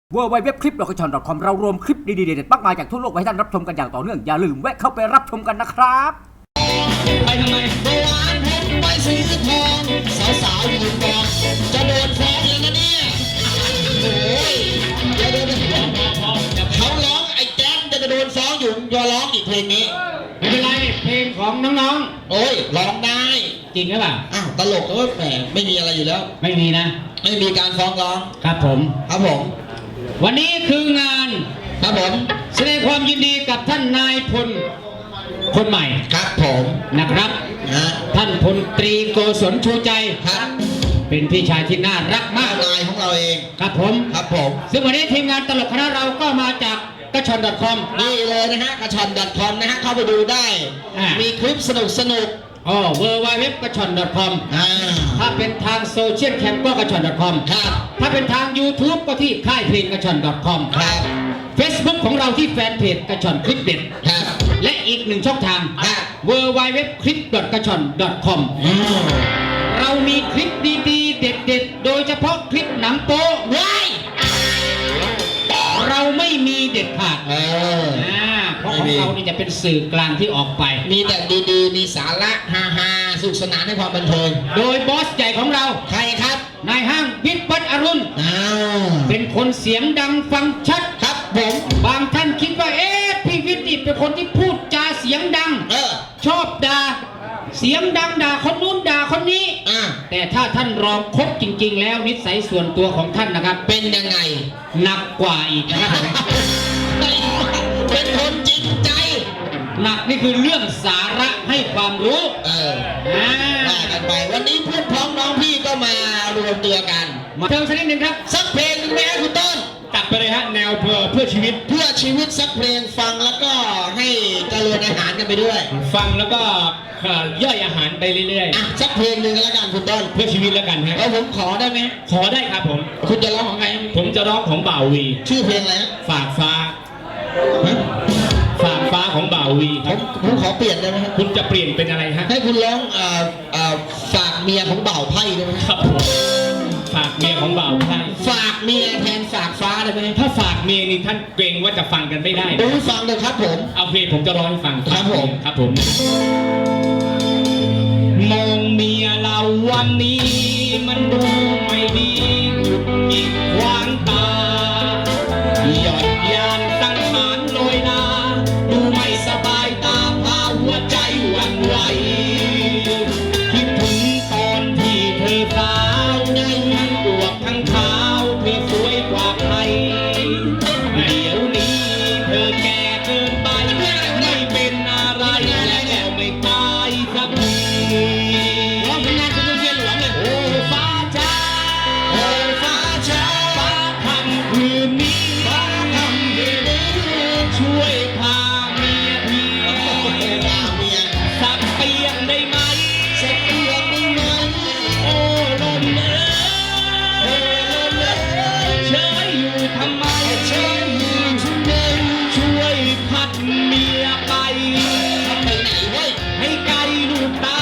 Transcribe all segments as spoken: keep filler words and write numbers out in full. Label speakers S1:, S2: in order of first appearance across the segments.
S1: เวอร์ไวเว็บคลิปดอกกระชอน .com เรารวมคลิปดีๆเด็ดๆมากมายจากทั่วโลกไว้ให้ท่านรับชมกันอย่างต่อเนื่องอย่าลืมแวะเข้าไปรับชมกันนะครับ
S2: ไปทำไมเมื่อวานผมไปซื้อทองสาวๆอยู่ก่อนจะโดนฟ้องแล้วนะเนี่ยโอ้ยเดี๋ยวเดี๋ยวเขาร้องไอ้แจ๊คจะโดนฟ้องอยู่ยอร้องอีกเพลงนี้
S3: ไม่เป็นไรเพลงของน้อง
S2: ๆโอ้ยร้องได้
S3: จริงหรือเปล่า
S2: อ้าวตลกแต่ว่าแหมไม่มีอะไรอยู่แล้ว
S3: ไม่มีนะ
S2: ไม่มีการฟ้องร้อง
S3: ครับผม
S2: ครับผม
S3: วันนี้คืองาน
S2: ครับผม
S3: แสดงความยินดีกับท่านนายพลคนใหม่
S2: ครับผม
S3: นะครับ
S2: นะ
S3: ท่านพลตรีโกศลชูใจ
S2: ครับ
S3: เป็นพี่ชายที่น่ารักมาก
S2: นายของเราเอง
S3: ครับผม
S2: ครับผม
S3: ซึ่งวันนี้ทีมงานตลกคณะเราก็มาจากกระชอน .com
S2: นี่เลยนะฮะกระชอน .com นะฮะเข้าไปดูได้มีคลิปสนุกสนุก
S3: อ๋อ เวอร์ไวเว็บกระชอน .com ถ้าเป็นทางโซเชียลแคมก็กระชอน .com
S2: ครับ
S3: ถ้าเป็นทาง YouTube ก็ที่ค่ายเพลงกระชอน .com
S2: ครับ
S3: Facebook ของเราที่แฟนเพจกระชอนคลิปเด็ด
S2: ครับ
S3: และอีกหนึ่งช่องทาง เวอร์ไวเว็บคลิป กระชอน .com เรามีคลิปดีๆเด็ดๆโดยเฉพาะคลิปหนังโป๊ว้ายเราไม่มีเด็ดขาด
S2: เออ
S3: เพราะของเรานี่จะเป็นสื่อกลางที่ออกไป
S2: มีแต่ดีๆมีสาระฮาๆสุขสนานให้ความบันเทิง
S3: โดยบอสใหญ่ของเรา
S2: ใครครับ
S3: นายห้างวิทย์วัฒน์อรุณเป็นคนเสียงดังฟังชัด
S2: ครับผม
S3: บางท่านคิดว่าเอ๊ะพี่วิทย์เป็นคนที่พูดจาเสียงดัง
S2: เออ
S3: ชอบด่าเสียงดังด่าคนนู้นด่าคนนี้แต่ถ้าท่านรองคบจริงๆแล้วนิสัยส่วนตัวของท่านนะครับ
S2: เป็นยังไง
S3: หนักกว่าอีกนะครับ
S2: เป็นคนจริงใจ
S3: หนักนี่คือเรื่องสาระให้ความรู้
S2: เออว่ากันไปวันนี้เพื่อนพ้องน้องพี่ก็มารวมตัวกัน
S3: มาเทิงสักนิดหนึ่งครับ
S2: สักเพลงหนึ่งไหมครับคุณต้น
S3: ตัดไปเลยฮะแนวเพื่อเพื่อชีวิต
S2: เพื่อชีวิตสักเพลงฟังแล้วก็ให้เจริญอาหารกันไปด้วย
S3: ฟังแล้วก็ย่อยอาหารไปเรื่อย
S2: ๆอ่ะสักเพลงหนึ่งแล้วกันคุณต้น
S3: เพื่อชีวิตแล้วกันฮะ
S2: แล้วผมขอได้ไหม
S3: ขอได้ครับผม
S2: คุณจะร้องของใคร
S3: ผมจะร้องของบ่าววี
S2: ชื่อเพลงอะไร
S3: ฝากฟ้าฝากฟ้าของบ่าววี
S2: ครับผมขอเปลี่ยนได้ไหม
S3: คุณจะเปลี่ยนเป็นอะไรฮะ
S2: ให้คุณร้องเอ่อเอ่อฝากเมียของบ่าวไพ่ได้ไหม
S3: ครับผมฝากเมียของบ่าวไพ่
S2: ฝากเมียแทนฝากฟ้าได้ไหม
S3: ถ้าฝากเมียนี่ท่านเกรงว่าจะฟังกันไม่ได้
S2: ดูฟังเลยครับผม
S3: เอาเพลงผมจะร้องให้ฟัง
S2: ครับผม
S3: ครับผมมองเมียเราวันนี้มันดูไม่ดีหยิกขวางตาหยอดยานสังหารลอยนาดูไม่สบายตาพาหัวใจหวั่นไหวคิดถึงตอนที่เธอสาวในดวงทั้งเท้าเธอสวยกว่าใครเดี๋ยวนี้เธอแก่เกินไปไม่เป็นอะไรแล้วไม่ตายสักทีร้องเพลงงานคุณเทียนหลวงเลยโอ้ฟ้าจ้า
S2: โอ้ฟ้าจ้า
S3: ฟ้าคำคืนนี้
S2: ฟ้าคำคืนนี้
S3: ช่วยพาเมียเมีย
S2: พาเมีย
S3: สักเปียงได้ไหม
S2: สักเปียงได้ไหม
S3: โอ้ลมเอ๋
S2: ยโอ้ลมเอ๋ย
S3: เฉยอยู่ทำไม
S2: เฉยอยู่ทำไม
S3: ช่วยพัดเมียไป
S2: ไปไหนเว้ย
S3: ให้ไกลลูกตา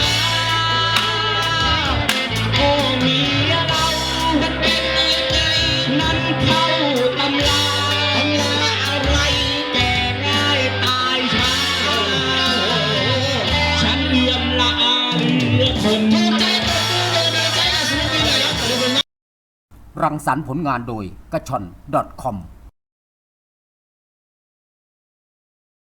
S3: โอ้เมียเรา
S2: มันเป็นยังไง
S3: นั้นเข้าตำรา
S2: ทำลาอะไร
S3: แก่ง่ายตายช้าฉันเอื้อมละอาเหลือทน
S1: รังสรรค์ผลงานโดยกระชอน .com